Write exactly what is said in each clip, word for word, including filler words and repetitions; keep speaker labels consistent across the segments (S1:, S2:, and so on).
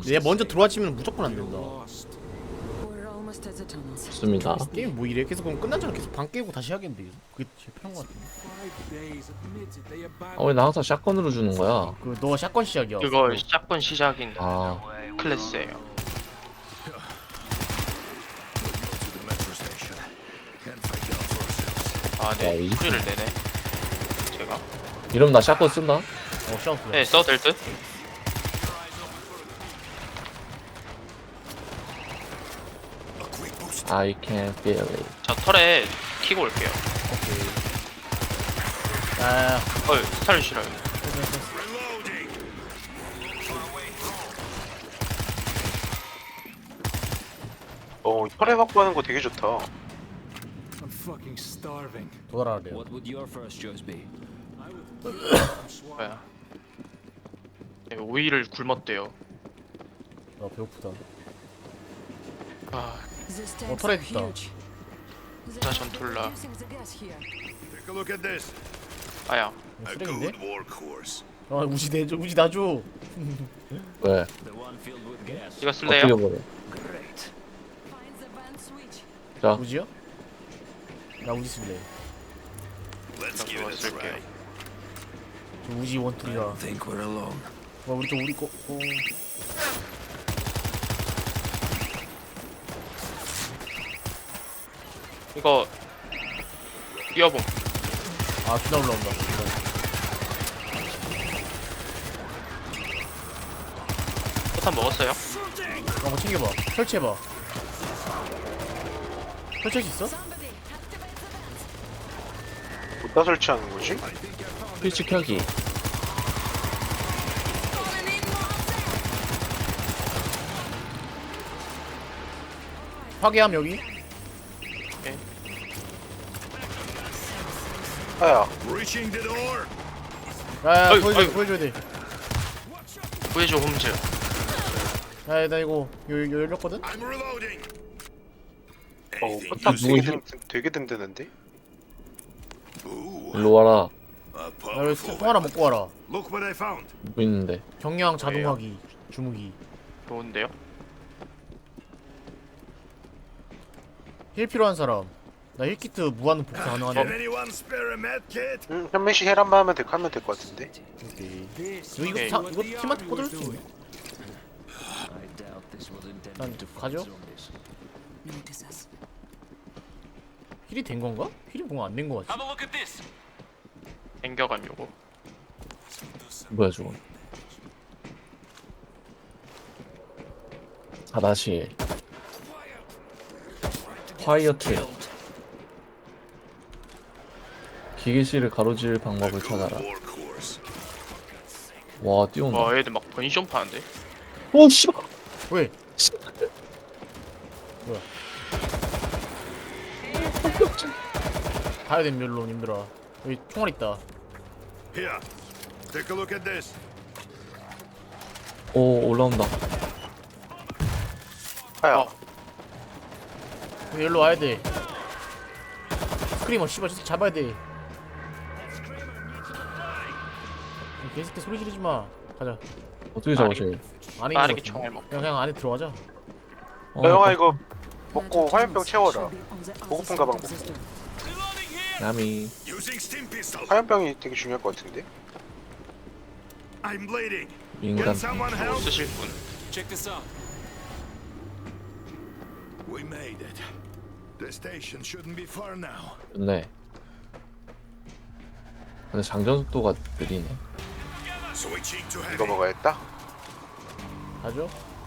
S1: 얘 먼저 들어와치면 무조건 안 된다.
S2: 좋습니다.
S1: 게임 뭐 이래? 계속 그럼 끝난잖아. 계속 방 깨고 다시 하겠는데. 그게 제일 편한 것 같은데.
S2: 아, 왜 나 항상 샷건으로 주는 거야?
S1: 그 너 샷건 시작이야.
S3: 그거 샷건 시작인
S2: 아,
S3: 클래스예요. 아,
S2: 야,
S3: 네.
S2: 이-
S3: 소리를 내네. 제가.
S2: 이러면 나 샷건 쓴다?
S1: 어 샷건.
S3: 네, 써도 될 듯?
S2: I can feel it.
S3: 저 털에 키고 올게요.
S1: 오케이. 아,
S3: 어, 스타일 싫어요.
S4: 어, 혈액 확보하는 거 되게 좋다.
S5: I'm fucking starving.
S1: 도달하래요.
S6: What would your first choice be?
S3: 뭐야. 네, 오이를 굶었대요.
S1: 아 배고프다.
S3: 아,
S1: 어 털에 있다.
S3: 자, 전툴라.
S7: Take a look at this.
S3: 아야.
S7: A
S1: 쓰레기인데?
S7: good workhorse.
S1: 아 우지 내줘. 우지 놔줘.
S2: 왜?
S6: The one filled with gas.
S3: 이거 쓸래요?
S2: 어떻게 버려?
S6: Great.
S2: 자,
S1: 우지요? 나 우지 쓸래.
S7: Let's give
S3: 그거
S7: it a
S3: 쓸게요.
S7: try.
S1: 저 우지 원툴이라.
S6: Think we're alone.
S1: 와 우리 또 우리 거. 어.
S3: 이거 뛰어봄.
S1: 아 기나 올라온다.
S3: 포탄 먹었어요?
S1: 어, 뭐 챙겨봐. 설치해봐. 설치할 수 있어?
S4: 어디다 설치하는 거지?
S2: 스위치 켜기.
S1: 파괴함 여기.
S4: 아야,
S7: Reaching the door.
S1: 야야
S3: 어이,
S1: 보여줘
S3: 어이.
S1: 보여줘야 돼.
S3: 구해줘, 홈즈.
S1: 야야 나 이거 요, 요 열렸거든.
S7: I'm reloading.
S4: 어,
S7: Anything
S4: 포탑
S7: useful?
S4: 되게, 든, 되게 든든한데?
S7: Ooh,
S2: 일로 와라.
S7: a
S1: 야 여기
S7: powerful
S1: 통 하나
S7: weapon.
S1: 먹고 와라.
S7: Look what I found.
S2: 뭐 있는데?
S1: 경량 자동화기 주무기.
S3: 좋은데요?
S1: 힐 필요한 사람. 나 힐키트 무한 복사
S7: Can
S1: 가능하네.
S7: anyone spare a med kit?
S4: 응, 현민씨 헬한번 하면 될, 하면 될 것 같은데?
S1: 오케이.
S5: This
S1: 이거 이거
S3: 오케이.
S1: 사, 이거 팀한테 꽂을 수 있네.
S6: I doubt this was intended
S1: 난
S6: to fight
S1: 가죠?
S6: zombies.
S1: 힐이 된 건가? 힐이 뭔가 안 된 거 같지.
S3: 땡겨감 요거.
S2: 뭐야 저건? 하다시. 파이어 트랩. 기계실을 가로질 방법을 찾아라.
S7: Workhorse.
S2: 와 뛰어온다.
S3: 와, 애들 막 번시점 파는데?
S2: 오 씨발.
S1: 왜? 뭐야? 가야 된 멸론님들아. 여기 총알 있다.
S7: Here. Take a look at this.
S2: 오 올라온다.
S4: 아야,
S3: 어.
S1: 여기 일로 와야 돼. 스크리머 씨발 저 새끼 잡아야 돼. 이 개새끼 소리 지르지 마. 가자.
S2: 어떻게 잡아줘?
S1: 안에 있는
S3: 빠르게
S1: 거
S3: 총알 먹고.
S1: 그냥 그냥 안에 들어가자.
S2: 어,
S4: 야, 영아 이거 먹고 화염병 채워라. 보급품 가방 먹고.
S2: 야미.
S7: Using stim pistol.
S4: 화염병이 되게 중요할 것 같은데?
S7: I'm bleeding.
S2: 인간.
S7: Can someone
S3: 저거
S7: help?
S3: 쓰실 분.
S5: Check this out.
S7: We made it. The station shouldn't be far now.
S2: 좋네. 근데 장전 속도가 느리네.
S7: Switching to
S4: 이거
S7: heavy.
S4: 먹어야겠다?
S1: 가죠.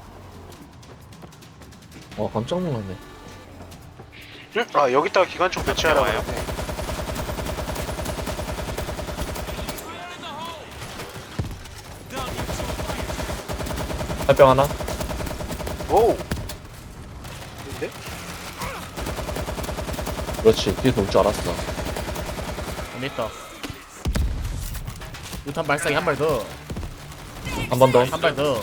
S2: 와 깜짝 놀랐네.
S4: 응? 아, 여기다가 기관총 배치하라고
S3: 와요?
S4: 했네.
S2: 활병 하나?
S4: 오우! 근데?
S2: 그렇지. 뒤에서 올 줄 알았어.
S1: 안 됐다. 유탄 발사기 한 발 더.
S2: 한 번 더.
S1: 한 발 더.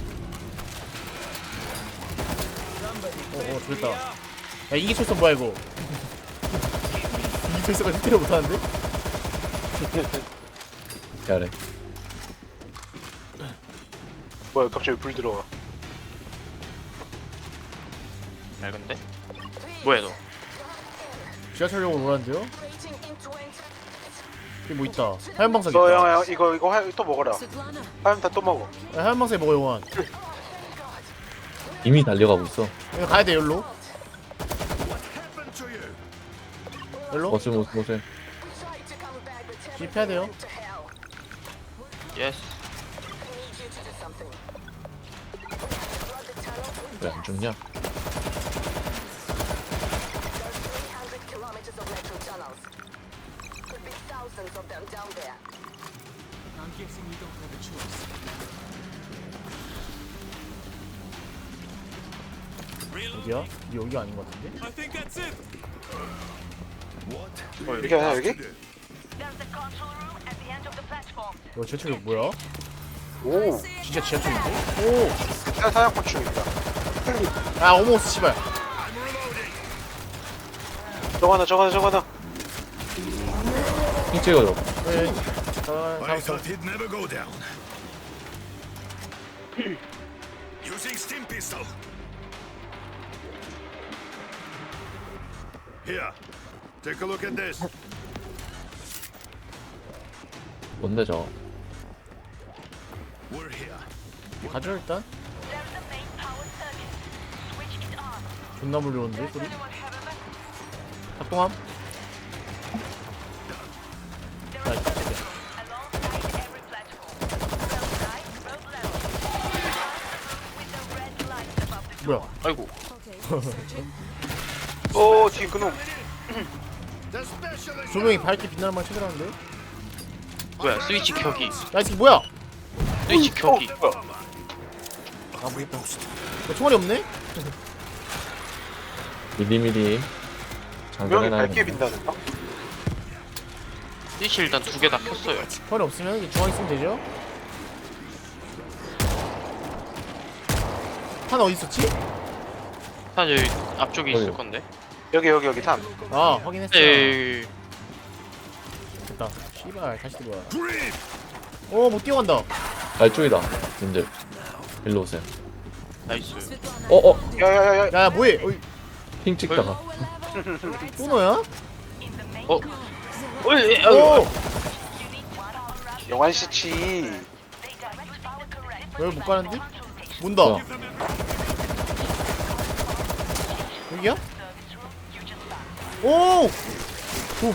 S1: 오오 죽였다. 야 이기 철선 뭐야 이거? 이기 철선가 힐트를 못하는데?
S2: 야래.
S4: 뭐야, 갑자기 불 들어와.
S3: 얇은데? 뭐야 너?
S1: 지하철역으로 오라는데요? 여기 뭐 있다. 하얀 방석
S4: 너
S1: 있다.
S4: 영아 이거 이거 화, 또 먹어라. 화염탄 또 먹어.
S1: 야, 하얀 방석에 먹어 영환.
S2: 이미 달려가고 있어.
S1: 여기 가야 돼 열로.
S7: Happened to you?
S1: 열로.
S2: 모슬 모슬 모슬.
S1: 집해야 돼요.
S3: 예스.
S2: 왜 안 죽냐?
S5: I'm guessing we don't have a choice.
S1: 어디야? 이 여기가 아닌 것 같은데?
S5: I think that's it.
S7: What?
S4: 여기 아니야 여기?
S8: There's the control room at the end of the platform.
S1: 이거 지하철역 뭐야?
S4: 오.
S1: 진짜 지하철인데? 오!
S4: 사- 사냥곤충이다.
S1: 아 어머스 씨발.
S4: 저거 하나 저거 하나 저거 하나.
S2: 핑 찍어줘.
S1: 네. 아,
S7: I
S1: 잡았어.
S7: thought he'd never go down. Using stim pistol. Here, take a look at this.
S2: 뭔데 저?
S7: We're here.
S1: 가져 일단.
S8: There's the main power circuit. Switch it on.
S1: 존나 물려오는데 소리?
S8: Anyone have a map?
S1: 작동함.
S8: There are circuits alongside every platform. Both sides, both levels. With the red lights above the door.
S1: 뭐야?
S3: 아이고.
S4: 오 뒤에 그놈.
S7: The specialist.
S1: 조명이 밝게 빛나는 말 찾으라는데?
S3: 뭐야 스위치 켜기.
S1: 야 이 새끼 뭐야?
S3: 스위치
S4: 어
S3: 켜기.
S4: 뭐야?
S1: 아 모르겠다. 야, 총알이 없네?
S2: 미리미리
S4: 조명이
S2: 장전해놔야
S4: 밝게 빛나는 거?
S3: 스위치 일단 두 개 다 켰어요.
S1: 총알이 없으면 이제 중앙에 있으면 되죠? 하나 어디 있었지?
S3: 한 여기 앞쪽에 있을
S2: 어디요?
S3: 건데.
S4: 여기 여기 여기 탄.
S1: 아 확인했어.
S3: 에이.
S1: 됐다. 씨발 다시 들어와.
S7: Green.
S1: 어못 뛰어간다.
S2: 날쪽이다. 님들 일로 오세요.
S3: 나이스.
S2: 어어
S4: 야야야야.
S1: 야 뭐해? 어이,
S2: 핑 찍다가
S1: 또 너야?
S3: 어? 어이, 에이,
S1: 오!
S3: 아이고.
S4: 영환 씨치.
S1: 왜 못 가는데? 문다.
S2: 어.
S1: 여기야? 오! 붐.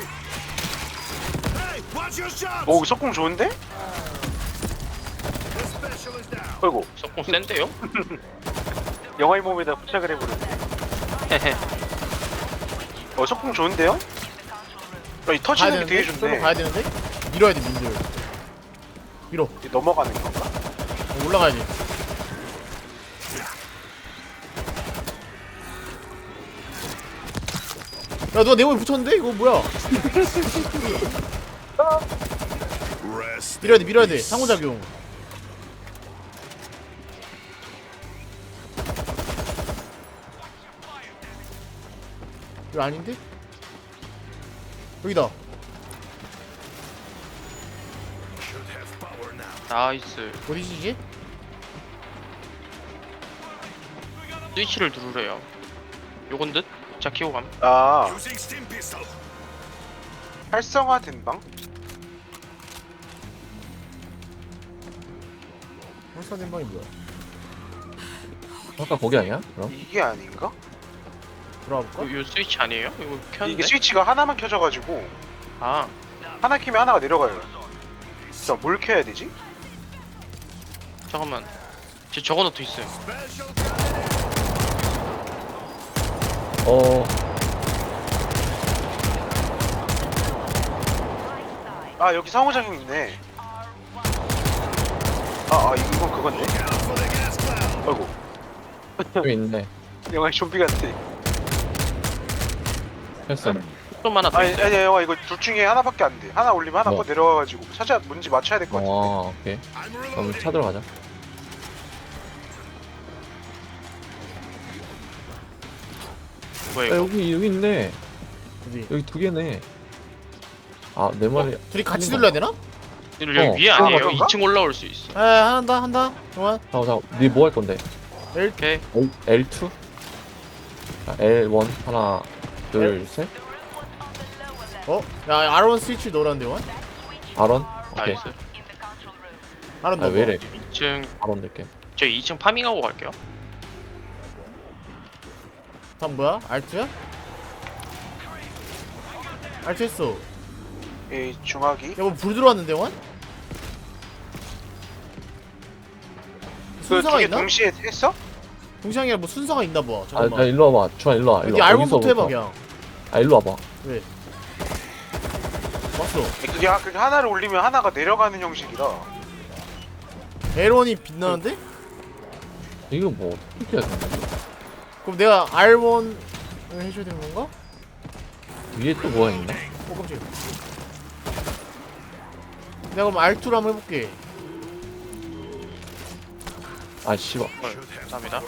S7: Hey, watch your shots.
S4: 오 석궁 좋은데?
S7: The specialist down.
S4: 어이구.
S3: 석공 센데요?
S4: 영화의 몸에다 부착을 해버렸네. 어 석궁 좋은데요? 야, 이
S1: 가야
S4: 터치는 게
S1: 되는데?
S4: 되게
S1: 쏠로
S4: 좋네.
S1: 가야 되는데? 밀어야 돼 민들. 밀어.
S4: 이게 넘어가는 건가?
S1: 어, 올라가야지. 야 누가 내 몸에 붙였는데? 이거 뭐야?
S7: Rest.
S1: 밀어야 돼 밀어야 돼. 상호작용. 이거 아닌데? 여기다.
S7: Should have power now.
S3: 나이스.
S1: 어디지 이게?
S3: 스위치를 누르래요. 요건 듯? 자 키고 감.
S4: 아
S7: Using stim pistol.
S4: 활성화된 방?
S1: 활성된 방이 뭐야?
S2: 아까 거기 아니야? 그럼?
S4: 이게 아닌가?
S1: 들어와 볼까?
S3: 요, 요 스위치 아니에요? 이거 켰는데?
S4: 이게 스위치가 하나만 켜져가지고
S3: 아
S4: 하나 키면 하나가 내려가요. 자, 뭘 켜야 되지?
S3: 잠깐만. 제 적어놓고 있어요.
S7: Special.
S2: 어
S4: 아 여기 상호작용 있네. 아, 아 이건 그건데.
S7: Look out for the gas cloud.
S4: 아이고
S2: 여기 있네.
S4: 영화 좀비 같아.
S2: 했어.
S3: 좀 하나 더
S4: 아니
S3: 있어요.
S4: 아니 영화 이거 둘 중에 하나밖에 안 돼. 하나 올리면 하나
S2: 뭐?
S4: 꺼 내려와가지고 찾아 뭔지 맞춰야 될 것 같은데.
S2: 어 오케이.
S7: I'm
S2: 그럼
S7: reloading.
S2: 찾으러 가자.
S3: 뭐야
S2: 야,
S3: 이거?
S2: 여기 여기 있네.
S1: 어디?
S2: 여기 두 개네. 아 내 말이
S1: 둘이 같이
S2: 하는
S1: 눌러야 되나?
S3: 여기
S2: 어.
S3: 위에 아니에요?
S4: 그런가?
S3: 이 층 올라올 수 있어.
S1: 아 한다 한다. 영환.
S2: 잠깐 잠깐. 니뭐 할 건데?
S3: 오케이.
S2: L 투? 자, 엘 원 하나 둘 셋.
S1: 어? 야 아론 스위치 넣으라는데 원?
S2: 아론. 오케이.
S3: 나이스.
S1: 아론
S2: 아
S1: 넣어.
S2: 왜래?
S3: 이 층
S2: 아론 될게.
S3: 저 이 층 파밍하고 갈게요.
S1: 다음 뭐야? 알트야? 알트 했어.
S4: 이 중화기.
S1: 야뭐 불 들어왔는데 원?
S4: 그
S1: 순서가
S4: 두 개
S1: 있나?
S4: 동시에 했어?
S1: 동시에 뭐 순서가 있나 봐.
S2: 아,
S1: 잠깐만.
S2: 나 일로 와봐. 주한 일로 와. 일로
S1: 네
S2: 와.
S1: 알몬부터 해봐
S2: 여기서부터.
S1: 그냥.
S2: 아 일로 와봐.
S1: 왜? 왔어.
S4: 그게, 하- 그게 하나를 올리면 하나가 내려가는 형식이라.
S1: L원이 빛나는데?
S2: 이거 뭐 어떻게 해야 되는 거야?
S1: 그럼 내가 알원을 해줘야 되는 건가?
S2: 위에 또 뭐가 있나?
S1: 어 깜짝이야. 내가 그럼 알투로 한번 해볼게.
S2: 아 씨발.
S3: 헐, 감사합니다.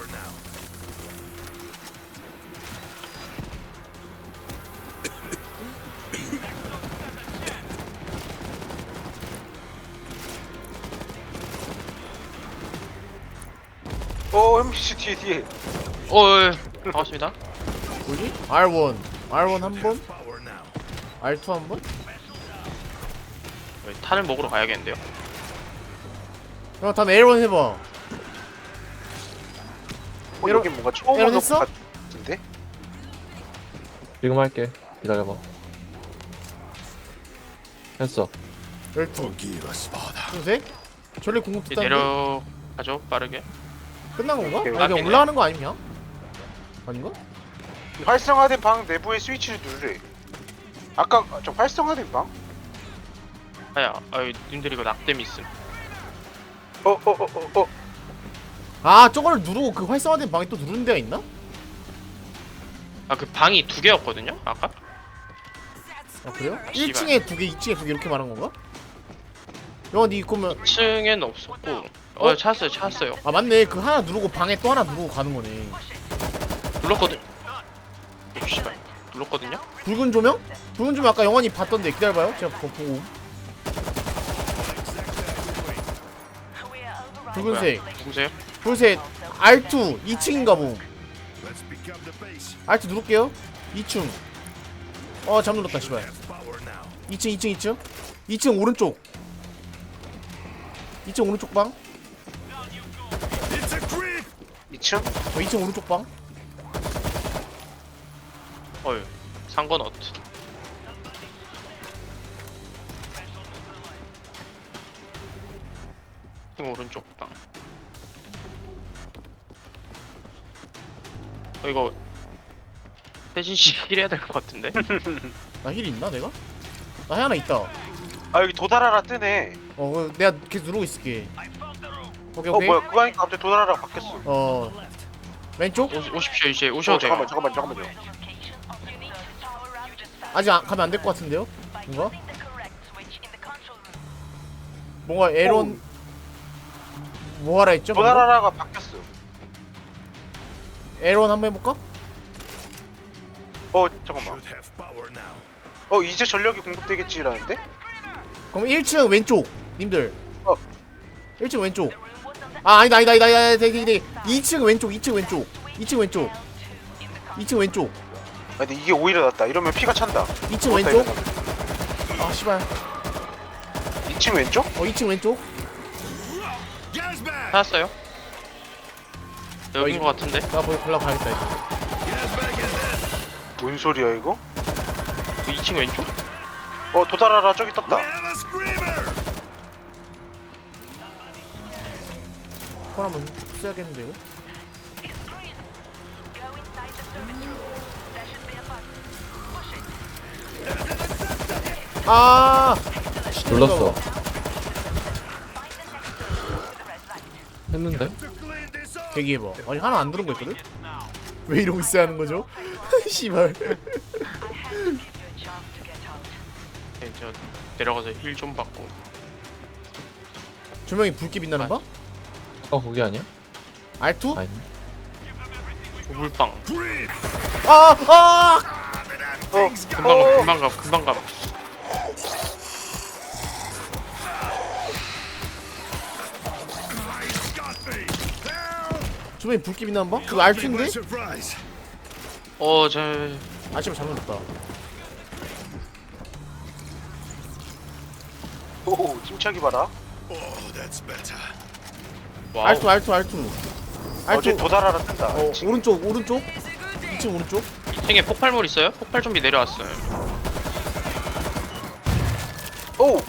S4: 어 엠비씨 뒤에 뒤에.
S3: 어, 예, 반갑습니다.
S1: 뭐지? 알원. 알원 한 번?
S7: Power now.
S1: 알투 한 번?
S3: 네, 탄을 먹으러 가야겠는데요.
S1: 야 다음 L원 해봐.
S4: 어,
S1: 에러-
S4: 여기 뭔가 처음
S1: 에러
S4: 오는
S1: 했어?
S4: 것 같은데?
S2: 지금 할게. 기다려봐. 했어.
S1: 열두.
S7: Forgive us, Father.
S1: 둘셋. 전리 공급
S3: 이제
S1: 됐다는데?
S3: 내려가죠, 빠르게.
S1: 끝난 건가?
S4: 오케이,
S1: 아니 그냥
S3: 오케이.
S1: 올라가는 거 아니냐? 아닌가?
S4: 활성화된 방 내부의 스위치를 누르래. 아까 저 활성화된 방?
S3: 아야, 아유, 님들 이거 낙뎀 있음.
S4: 어 어 어 어 어.
S1: 아 저거를 누르고 그 활성화된 방에 또 누르는 데가 있나?
S3: 아, 그 방이 두 개였거든요, 아까?
S1: 아 그래요?
S3: 씨발.
S1: 일 층에 두 개, 이 층에 두 개 이렇게 말한 건가? 영아 니 그러면
S3: 이 층에는 없었고. 어,
S1: 어?
S3: 찾았어요, 찾았어요.
S1: 아 맞네 그 하나 누르고 방에 또 하나 누르고 가는 거네.
S3: 눌렀거든. 오, 씨발. 눌렀거든요?
S1: 붉은 조명? 붉은 조명 아까 영환이 봤던데 기다려봐요 제가 보- 보고. 붉은색
S3: 누구세요?
S1: 붉은색 알투 이 층인가 봄.
S7: Let's pick up the pace.
S1: 알투 누를게요. 이 층. 어 잠 눌렀다 씨발.
S7: Have power now.
S1: 이 층 이 층 이 층 이 층 오른쪽. 이 층 오른쪽 방.
S7: It's a creep.
S4: 이 층?
S1: 어 이 층 오른쪽 방.
S3: 어휴, 상관없. 지금 오른쪽 방. 어, 이거 대신 힐해야 될 것 같은데?
S1: 나 힐 있나 내가? 나 하나 있다.
S4: 아 여기 도달하라 뜨네.
S1: 어 그거 내가 계속 누르고 있을게. 오케이
S4: 어
S1: 오케이.
S4: 뭐야 그거 하니까 갑자기 도달하라 바뀌었어.
S1: 어 왼쪽?
S3: 오, 오십시오 이제
S4: 어
S3: 오셔도 돼요.
S4: 잠깐만 잠깐만 잠깐만요.
S1: 아직 안, 가면 안 될 것 같은데요? 뭔가? 뭔가 에런 뭐 하라 했죠? 뭔가?
S4: 도달하라가 바뀌었어.
S1: 에런 한번 해볼까?
S4: 어 잠깐만.
S7: Should have power now.
S4: 어 이제 전력이 공급되겠지라는데?
S1: 그럼 일 층 왼쪽 님들.
S4: 어.
S1: 일 층 왼쪽. 아 아니다 아니다 아니다 아니다 되게 되게 이 층 왼쪽 이 층 왼쪽 이 층 왼쪽 이 층 왼쪽
S4: 아 근데 이게 오히려 낫다. 이러면 피가 찬다.
S1: 이 층
S4: 죽었다,
S1: 왼쪽.
S4: 이러면.
S1: 아 씨발.
S4: 이 층 왼쪽?
S1: 어 이 층 왼쪽.
S7: Gas bag.
S3: 찾았어요? 여긴
S1: 이거-
S3: 것 같은데?
S1: 나 거기 골라 가야겠다 이제.
S7: Gas bag is dead.
S4: 뭔 소리야 이거?
S3: 그 이 층 왼쪽?
S4: 어 도달하라 저기
S7: We
S4: 떴다.
S7: have a screamer.
S1: 폰 한번 써야겠는데 이거? 아
S2: 눌렀어. 했는데?
S7: To clean this up.
S1: 대기해봐. 아니 하나 안 들은 거 있거든? 왜 이러고 있어야 하는 거죠? 씨발.
S3: 네, 저 내려가서 힐 좀 받고.
S1: 조명이 붉게 빛나는 방?
S2: 어 거기 아니야?
S1: 알투?
S2: 아니.
S3: 우물빵.
S7: Creep.
S1: 아! 아!
S4: 어
S3: 금방 가, 금방 가, 금방 가.
S7: Got me. Help.
S1: 조명이 붉게 빛나는 방? 그거
S7: By
S1: 알투인데?
S7: surprise.
S3: 어저
S1: 아침에 잘못했다.
S4: 오 침착이 봐라.
S7: Oh, that's better.
S3: 와우.
S1: 알투 알투 알투.
S4: 어제
S1: 알투.
S4: 도달하라 뜬다.
S1: 어
S4: 지금.
S1: 오른쪽 오른쪽. 이 층 오른쪽.
S3: 이 층에 폭발물 있어요? 폭발 좀비 내려왔어요.
S4: 오.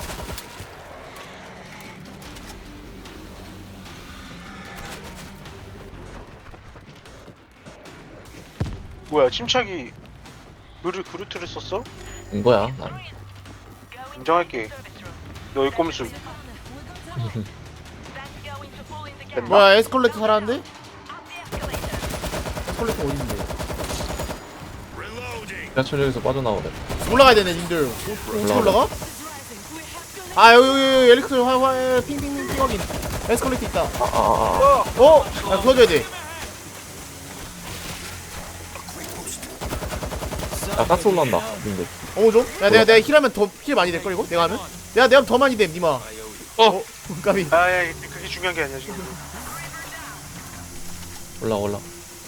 S4: 뭐야 침착이 그루 그루트를 썼어?
S2: 인 거야 난.
S4: 인정할게. 너의 꼼수.
S8: That's going to fall in the gap.
S4: 됐나?
S1: 뭐야 에스컬레이터 살았는데?
S8: Up the escalator.
S1: 에스컬레이터 어딘데?
S7: Reloading.
S2: 지하철역에서 빠져나오래.
S1: 올라가야 되네 님들. 어, 어떻게
S2: 올라가.
S1: 올라가? 아 여기 여기 여기 엘리베이터 화화 핑핑핑 핑 확인. 에스컬레이터 있다.
S2: 아아아.
S1: 어? 아 도와줘야 돼.
S2: 야 가스 올라온다. 근데
S1: 어머 좀. 야 내가 내가 힐하면 더 힐 많이 될걸 이거? 내가 하면? 내가 내가 하면 더 많이 됨 니마.
S3: 어
S1: 까비.
S4: 아야 그게 중요한 게 아니야 지금.
S2: 올라 올라.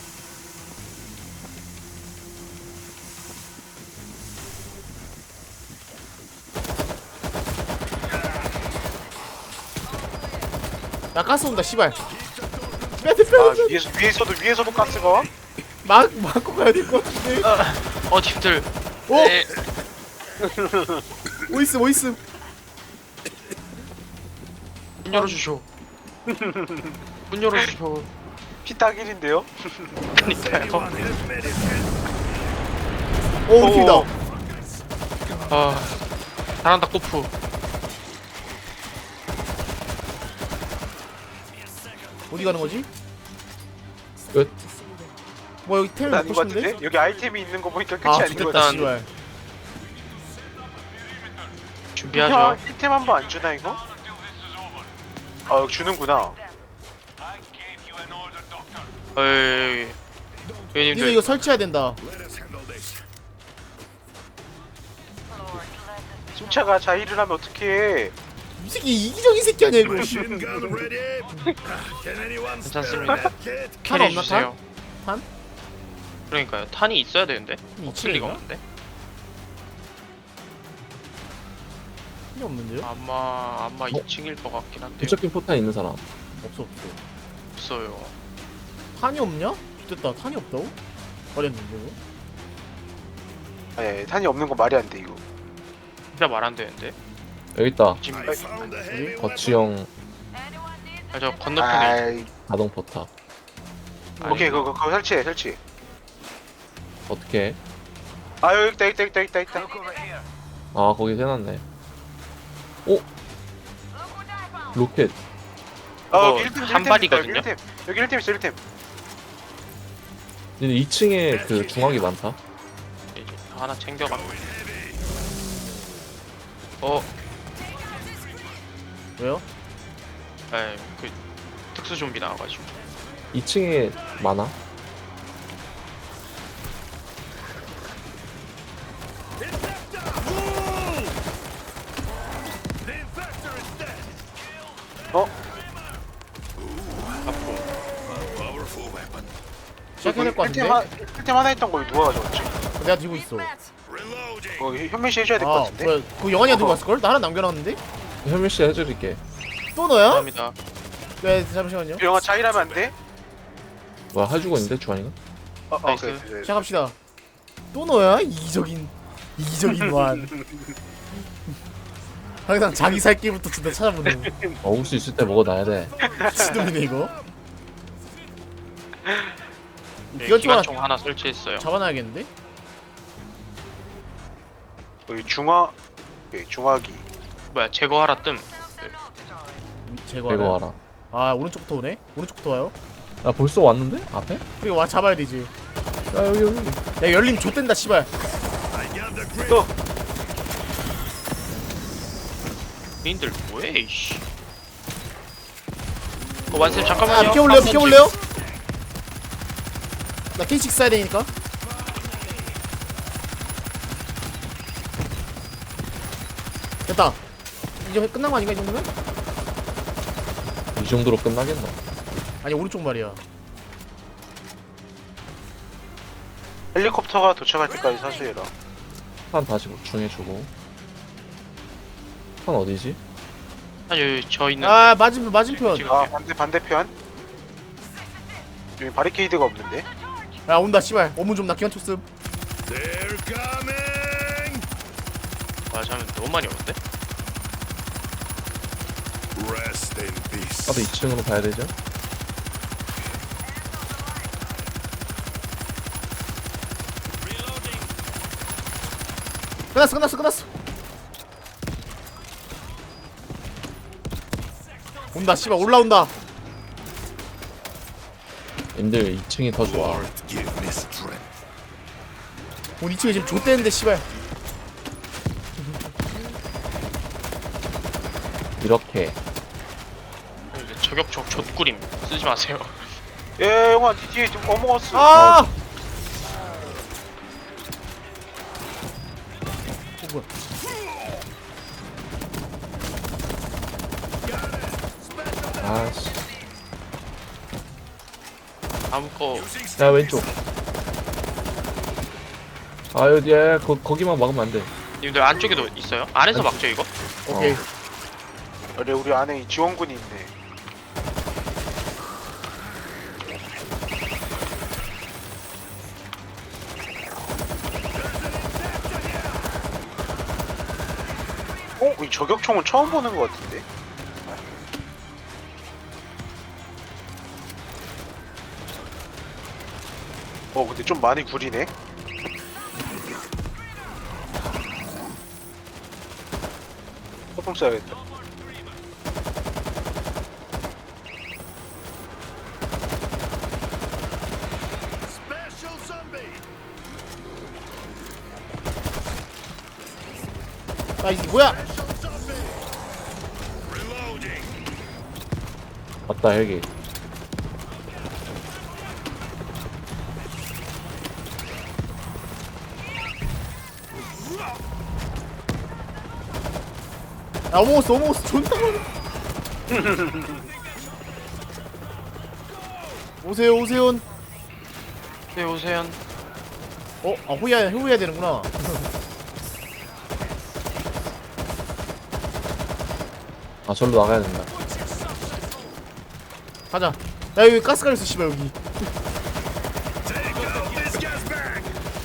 S1: 나 가스 온다 씨발. 빼야 돼
S4: 아
S1: 빼야 돼.
S4: 위에서 위에서도 위에서도 가스가 와?
S1: 막 막고 가야 될 것 같은데.
S3: 어 님들.
S1: 오
S3: 네.
S1: 오이스 오이스.
S3: 문 열어주쇼. 문 열어주쇼.
S4: 피딱일인데요?
S3: 그니까요.
S7: Anyone hit medic?
S1: 오 우리 팀이다.
S3: 아 잘한다 꼬프.
S1: 어디 가는 거지?
S2: 끝.
S1: 뭐 여기 템을
S4: 아닌
S1: 먹고
S4: 것
S1: 싶은데?
S4: 같은데? 여기 아이템이 있는 거 보니까 끝이
S1: 아
S4: 아, 닌 거
S1: 좋겠다
S4: 같아.
S1: 씨발.
S3: 준비하죠.
S4: 이템 한 번 안 주나 이거? 아 주는구나.
S3: 어이.
S1: 니네
S3: 회원님들
S1: 이거 설치해야 된다.
S7: Let us handle this.
S4: 침차가 자의를 하면 어떡해.
S1: 이 새끼 이기적인 새끼 아니야 이거.
S7: Machine gun ready. Can anyone spare
S3: 괜찮습니다.
S7: that kit?
S1: 탄
S3: 캐리
S1: 없나,
S3: 주세요.
S1: 탄?
S3: 그러니까요. 탄이 있어야 되는데.
S1: 이
S3: 없을 리가
S1: 층인가?
S3: 없는데.
S1: 필요 없는데요?
S3: 아마 아마 이 층일 것 같긴 한데
S2: 도착긴 포탄 있는 사람.
S1: 없어 없어.
S3: 없어요.
S1: 탄이 없냐? 됐다 탄이 없다고? 버렸는데 이거?
S4: 아니 탄이 없는 거 말이 안 돼 이거.
S3: 진짜 말 안 되는데.
S2: 여기 있다.
S3: 지금
S7: I found a heavy weapon.
S2: 거치형
S3: 아, 저 건너편에
S4: 아이
S2: 자동 포탑.
S4: 오케이 그거 그거 설치해 설치.
S2: 어떻게 해?
S4: 아 여기 있다 있다 있다 있다 있다.
S2: 아 거기 해놨네. 오 로켓.
S4: 아
S3: 이거
S4: 여기 일 팀
S3: 한 발이거든요?
S4: 여기 일 팀 여기 일 팀 있어 일 팀.
S2: 근데 이 층에 그 중앙이 많다.
S3: 이제 하나 챙겨가. 어,
S1: 왜요?
S3: 에, 그 특수 좀비 나와가지고.
S2: 이 층에 많아.
S7: The infector is dead.
S4: 어?
S3: 아프.
S7: Powerful weapon.
S1: 시작해야 될 것
S4: 일 팀
S1: 같은데?
S4: 한- 일 팀 하나 있던 거 누가 가져갔지?
S1: 내가 들고 있어.
S7: Reloading.
S4: 어 현민 씨 해줘야 될 것
S1: 아
S4: 같은데?
S1: 뭐야 그거 영환이가 들고 왔을걸? 나 하나 남겨놨는데?
S2: 현민 씨 해드릴게.
S1: 또 너야?
S3: 감사합니다.
S1: 네 잠시만요.
S4: 영화 자의라면 안 돼?
S2: 뭐야 해주고 있는데 주환이가?
S4: 어, 어
S3: 나이스.
S4: 그래, 그래.
S1: 시작합시다. 또 너야? 이기적인 이기적인 완. 항상 자기 살 길부터 진짜 찾아보는
S2: 먹을 수 있을 때 먹어놔야 돼.
S1: 미친놈이네 이거.
S3: 네,
S1: 기관총 하나
S3: 기관총 하나 설치했어요.
S1: 잡아놔야겠는데?
S4: 여기 중화 오케이, 중화기.
S3: 뭐야 제거하라 뜸.
S1: 제거.
S2: 이거 와라.
S1: 아 오른쪽부터 오네? 오른쪽부터 와요?
S2: 나 벌써 왔는데? 앞에?
S1: 그리고 와 잡아야 되지.
S2: 야 여기 여기.
S1: 야 열림 좆된다 씨발.
S7: I got the grip.
S4: 또
S3: 니들 뭐해 이씨. 어 완쌤
S1: 아
S3: 잠깐만요.
S1: 비켜볼래요?
S3: 한
S1: 비켜볼래요? 나 케이식 써야 되니까. 됐다. 이제 끝난 거 아닌가 이 정도면?
S2: 이 정도로 끝나겠나?
S1: 아니 오른쪽 말이야.
S4: 헬리콥터가 도착할 때까지 사수해라.
S2: 판 다시 보충해주고. 판 어디지?
S3: 아니 여기 저 있는.
S1: 아 맞은편 맞은편.
S3: 지금
S4: 아 반대 반대편. 여기 바리케이드가 없는데.
S1: 야 온다 씨발. 어문 좀 낚이만 쳤음.
S7: They're coming!
S3: 와 잠깐 너무 많이 오는데?
S7: Rest in peace.
S2: 나도 이 층으로 가야 되죠?
S1: 끝났어 끝났어 끝났어. 온다 씨발 올라온다.
S2: 님들 이 층이 더 좋아.
S7: Lord, give me strength.
S1: 온 이 층에 지금 좆대는데 씨발.
S2: 이렇게.
S3: 이제 저격총 좆구림 쓰지 마세요.
S4: 예 형아 니 뒤에 좀 어머어스.
S1: 아. 어, 뭐야?
S2: 아씨.
S3: 다음 거
S2: 야 왼쪽. 아 여기 야, 거, 거기만 막으면 안 돼.
S3: 님들 안쪽에도 있어요? 안에서 막죠 이거?
S1: 오케이.
S4: 그래 우리 안에 지원군이 있네. 어? 이 저격총은 처음 보는 것 같은데? 어 근데 좀 많이 구리네? 소품 써야겠다.
S7: Special zombie!
S1: 아 이게 뭐야?
S7: Special zombie! Reloading!
S2: 맞다 헬기.
S1: 야 어머스 어머스 존나 많아. 오세요 오세요.
S3: 네 오세요.
S1: 어? 아 호위해야 호위해야 되는구나.
S2: 아 절로 나가야 된다.
S1: 가자. 야 여기 가스 깔렸어 씨발 여기.
S7: Take out this guy's back!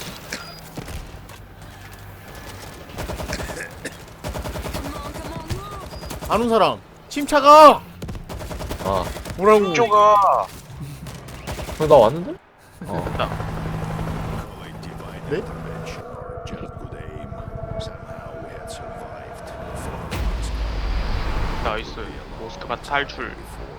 S1: 안 온 사람. 침차가.
S2: 아,
S1: 뭐라고?
S4: 쪼가
S2: 형, 나 왔는데? 어.
S7: Calling divine
S1: 네?
S7: intervention. Just good aim. Somehow we had survived.
S3: 나이스. 모스크바 탈출.